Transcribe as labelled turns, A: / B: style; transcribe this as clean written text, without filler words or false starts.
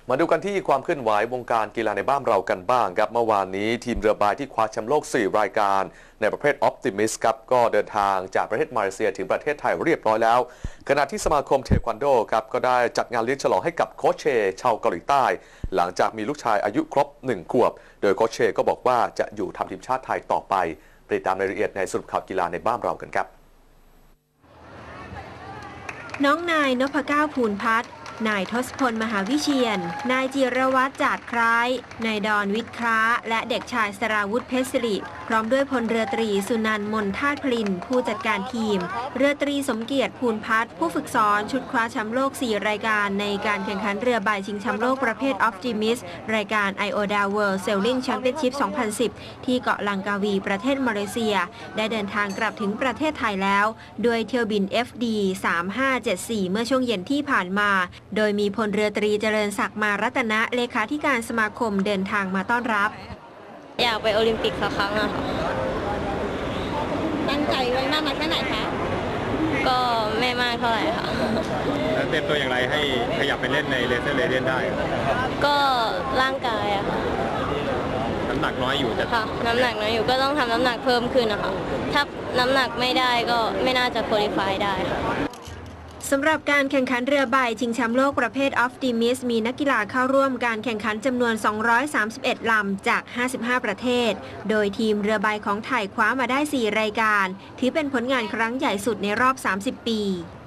A: มาดูกันที่ความเคลื่อนไหววงการกีฬาในบ้านเรากันบ้างครับเมื่อวานนี้ทีมเรือใบที่คว้าแชมป์โลก 4 รายการในประเภท Optimist ครับก็เดินทางจากประเทศมาเลเซียถึงประเทศไทยเรียบร้อยแล้วขณะที่สมาคมเทควันโดครับก็ได้จัดงานเลี้ยงฉลองให้กับโค้ชเชชาวเกาหลีใต้หลังจากมีลูกชายอายุครบ1 ขวบโดยโค้ชเชก็บอกว่าจะอยู่ทำทีมชาติไทยต่อไปติดตามรายละเอียดในสรุปข่าวกีฬาในบ้านเรากันครับ
B: น้องนายนพเก้าภูลพัฒน์นายทศพลมหาวิเชียรนายจิรวัตรจาดคล้ายนายดอนวิทย์คล้าและเด็กชายสราวุธเพชรสิริพร้อมด้วยพลเรือตรีสุนันท์มนทาตพลินผู้จัดการทีมเรือตรีสมเกียรติภูลพัฒน์ผู้ฝึกสอนชุดคว้าแชมป์โลก 4 รายการในการแข่งขันเรือใบชิงแชมป์โลกประเภท Optimist รายการ IODA World Sailing Championship 2010 ที่เกาะลังกาวีประเทศมาเลเซียได้เดินทางกลับถึงประเทศไทยแล้วโดยเที่ยวบิน FD 3574 เมื่อช่วงเย็นที่ผ่านมาโดยมีพลเรือตรีเจริญศักดิ์มารัตนะเลขาธิการสมาคมเดินทางมาต้อนรับ
C: อยากไปโอลิมปิกสักครั้งอะค่ะ
D: ตั้งใจไว้มากน้อยแค่ไหนคะ
C: ก็ไม่มากเท่าไหร่ค่ะ
E: แล้วเตรียมตัวอย่างไรให้ขยับไปเล่นในเลเซอร์เรเดียนได้
C: ก็ร่างกายอะค่ะ
E: น้ำหนักน้อยอยู่แต่
C: ค่ะน้ำหนักน้อยอยู่ก็ต้องทำน้ำหนักเพิ่มขึ้นนะคะถ้าน้ำหนักไม่ได้ก็ไม่น่าจะคุริฟายได้ค่ะ
B: สำหรับการแข่งขันเรือใบชิงแชมป์โลกประเภท Optimist มีนักกีฬาเข้าร่วมการแข่งขันจำนวน 231 ลำจาก 55 ประเทศโดยทีมเรือใบของไทยคว้ามาได้ 4 รายการถือเป็นผลงานครั้งใหญ่สุดในรอบ 30 ปี